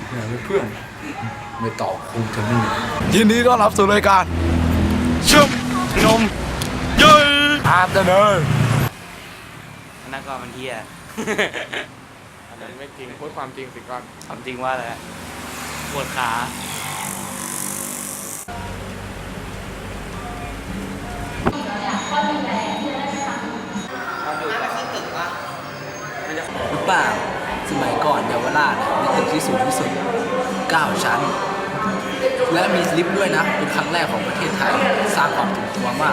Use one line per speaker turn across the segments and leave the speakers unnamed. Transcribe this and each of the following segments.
เพื่อนไม่ตอบคงจะนี่ยินดีต้อนรับสู่รายการชุ่มนมเย้อาบเดิน
นั่นก็มันเที่ย
อันนั้นไม่จริงพูดความจริงสิก่อน
ความจริงว่าอะไรปวดขา
หรือเปล่าสมัยก่อนเยาวราชมีตึกที่สูงที่สุด9 ชั้นและมีลิฟต์ด้วยนะเป็นครั้งแรกของประเทศไทยสร้างความถูกตัวมาก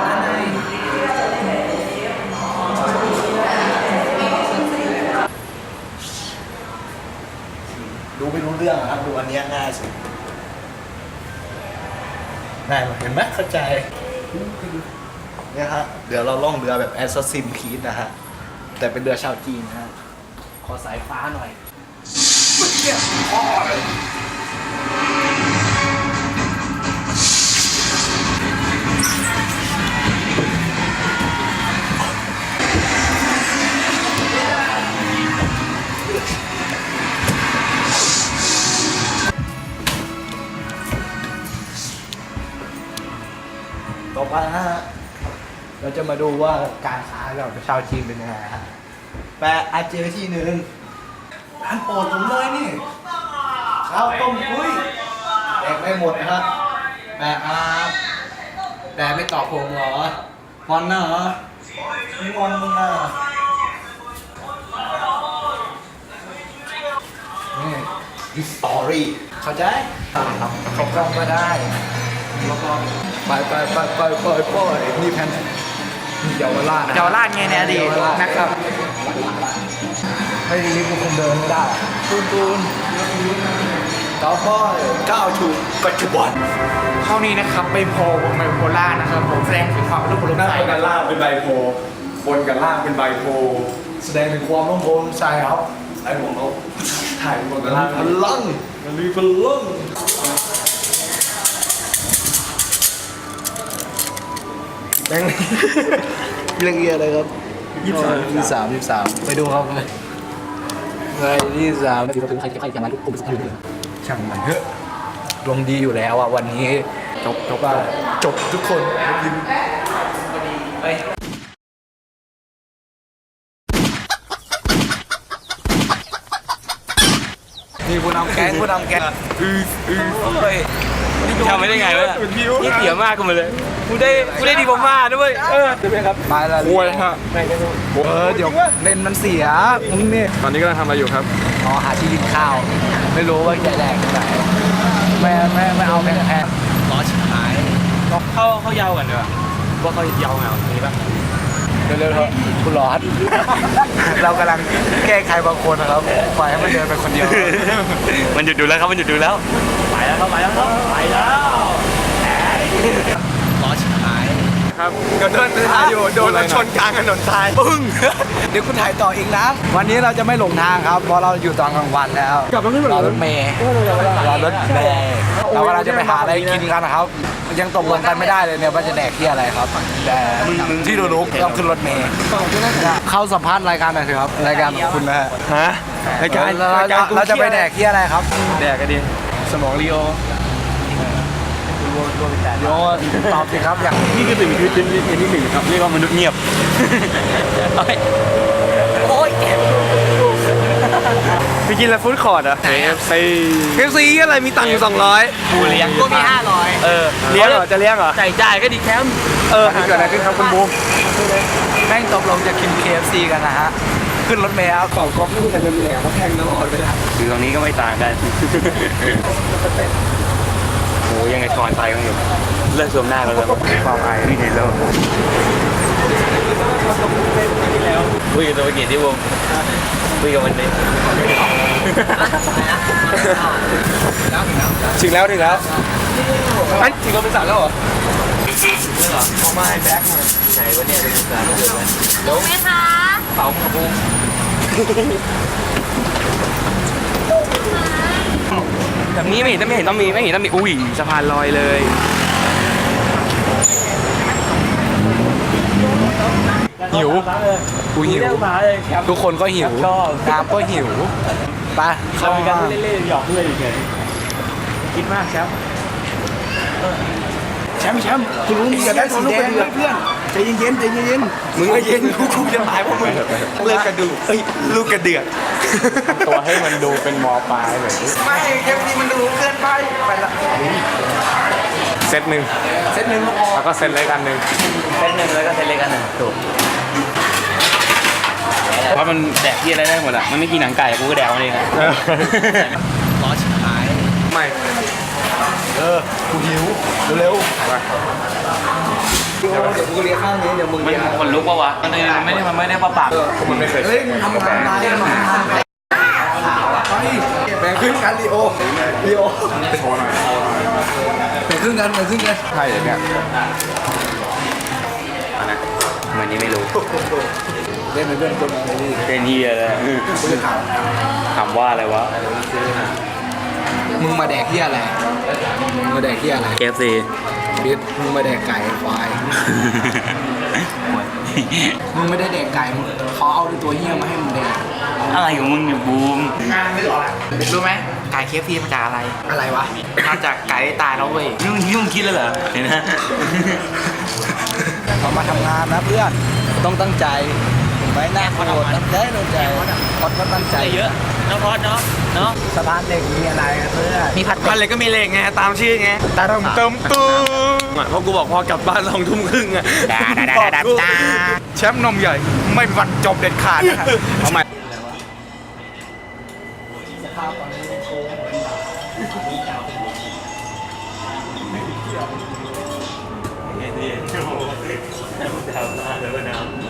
ดูไม่รู้เรื่องครับดูอันนี้ง่ายสุดง่ายมากเห็นไหมเข้าใจเนี่ยฮะเดี๋ยวเราล่องเรือแบบ Assassin's Creed นะฮะแต่เป็นเรือชาวจีนนะฮะขอสายฟ้าหน่อยต่อไปนะฮะเราจะมาดูว่าการค้าเรากับชาวจีนเป็นยังไงฮะแปะอาเจอที่หนึ่งร้านโปรดผมเลยนี่ข้าวต้มกุ้ยแดกไม่หมดนะครับแปะครับแปะไม่ตอบผมเหรองอนนะเหรอไม่งอนมึงนะนี่ดิสตอรี่เข้าใจเขากล้องก็ได้แล้วก็ไปนี่แผ่นเยาวราช
เยาวราชไงเนี่ยดีนะครับ
ไม่รีบคงเดินไม่ได้ตูนต่อไปก้าวสู่ปัจจุบัน
เท่านี้นะครับไปโพวงไบโพล่านะครับผมแสดงถึงความรุ่งเรือง
หน้า
ใจ
กันล่างเป็นใบโพบนกับล่างเป็นใบโพ
แสดงถึงความร่มโพล่งใจครับ
ไอ้ผมเขาถ่ายบนกับล่าง
พลัง
มันมีพลัง
แบงค์เรื่องเอียอะไรครับ23ไปดูครับเลย23ใครจะมาทุกกลุ่มสักทีช่างมันเถอะลงดีอยู่แล้วอ่ะวันนี้จบทุกคนนี่ผู้นำแก๊ง
ทำไม่ได้ไงวะนี่เสียมากกูมาเลยกูได้ดีผมมากด้วยใช่ไหมครับ
ไปละ
โวยฮะ
เดี๋ยวเลนมันเสียมึงนี่
ตอนนี้กำลังทำอะไรอยู่ครับ
อ๋อหาที่กินข้าว ไม่รู้ว่าจะแดกที่ไหนไม่เอาแค่ร้อนชิบหาย
เข้ายาวกันด้วยว่าเขายาวเหงาตรงนี้ป่ะ
เร็วๆเถอะคุณร้อน เรากำลังแก้ใครบางคนนะครับปล่อยให้มันเดินไปคนเดียว
มันหยุดดูแล้วครับมันหยุดดูแล้วไปแล้วร้อนชิบหาย
ครับก็เดินถ่ายอยู่โดนรถชนกลางถนนทราย
ปึ้ง เดี๋ยวคุณถ่ายต่ออีกนะ วันนี้เราจะไม่หลงทางครับ เพราะเราอยู่ตอนกลางวันแล้วรอรถเมย์เรากำลังจะไปหาอะไรกินกันนะครับ ยังตกลงกันไม่ได้เลยเนี่ยว่าจะแดกที่อะไรครับ แต่ที่รู้ๆต้องขึ้นรถเมย์เข้าสัมภาษณ์รายการหน่อยเถอะครับ รายการของคุณนะฮะ
ฮะรายการ
เราจะไปแดกที่อะไรครับ
แดกกันดิสมองลีโอ
โยตอบสิครับอย่าง
นี่คือสิ่งที่เป็นที่หนึ่งครับเรียกว่ามนุษย์เงียบโอ้ยเจ็บ
พี่กินแล้วฟู้ดคอร์ดอ่ะ KFC อะไรมีตังค์อยู่200
กูเลี้ยงกูมี500
เลี้ยงเหรอจะเลี้ยงเหรอ
จ่ายก็ดีแคม
เกิดอะไรขึ้นครับคุณบูม
แม่งตกลงจะกิน KFC กันนะฮะ ขึ้นรถเมล์ครับ
ต่อก๊อกนี่แต่เป็นแหลมเขาแทงตลอดเวลา
คือตรงนี้ก็ไม่ต่างกันโอ้ยังไงถอนไปกันอยู่เลิกสวมหน้ากันแล้วความอายนี่ในโลกคุยกับตัวเกียรติวงคุยกับมันดิ
ถึงแล้ว
ไอ้ถึงเราเป็นสัตว์แล้วเหรอไม่แบ็คมาไหนวะเนี่ยเป็นสัตว์รู้ไหมคะเป่าขบุ้งแบบนี้ไม่เห็นต้องมีอุ้ยสะพานลอยเลย
หิวกูหิว ทุกคนก็หิวน้ำก็หิวไป
เรามีการเล่นๆหยอกเพื่อนอีกเลยคิดมากแชมป์แชมป์คุณรู้มีกันได้สีแดงเพื่อนใจเย็นใจเย็น
มึงก็เย็นกูจะตายเพราะมึงเลิกกระดูกลูกกระเดือก
ตัวให้มันดูเป็นมอปลายแบบ
ไม่เกมนี้มันดูเกินไปละ
เซตหนึ่ง
เซตหนึ่ง
แล้วก็เซตเล็กอันหนึ่ง
เซตหนึ่งแล้วก็เซตเล็กอันหนึ่งถูกเพราะมันแดกที่อะไรได้หมดอ่ะมันไม่กินหนังไก่กูก็แดกมันเองอะ
ร้อนชิบหาย
ไม่
กูหิวเร็วเดี๋ยวกูเรียกข้างนี้เดี๋ยวมึง
มัน
เรียก
คนลุกปะวะมันไม่ได้ปะปาก
มันไม่เคย
เฮ้ยมึงทำงานอะไรมาแบ่งครึ่งกันลีโอ
โชว์หน่อย
แบ่งครึ่งกัน
ใช่อย่างเงี้ย
อันนั้นเหมือนนี้ไม่รู้
เล่นเป็นเพื่อนคนอะไรดี
เป็นเฮียเลย
กูจะถาม
ถามว่าอะไรวะ
มึงมาแดกที่อะไรมึงมาแดกที่อะไร
KFC
บิ๊ดมึงมาแดกไก่ควายมึงไม่ได้แดกไก่มึงเขาเอาตัวเหี้ยมาให้มึงแดก
อะไรของมึงเนี่ยบูม
รู้ไหมไก่เคฟซีมาจากอะไร
อะไรวะ
มาจากไก่ตายแล้วเว้ย
นี่มึงคิดแล้วเหรอเห็นไหม
เรามาทำงานนะเพื่อนต้องตั้งใจถูกไหมหน้าโคตรตั้งใจพอดก็ตั้งใจ
เยอะน้องพอดเนาะ
สะพานเหล็กมีอะไรอะเพื่อน
มีผัดอะไรก็มีเหล็กไงตามชื่อไงตาเติมตุ้มเพราะกูบอกพอกลับบ้าน2 ทุ่มครึ่งอะแชมป์นมใหญ่ไม่มีวันจบเด็ดขาดนะครับเอาใหม่
สภาพตอนนี้โค้งเหมือนแบบ
เดี๋ยว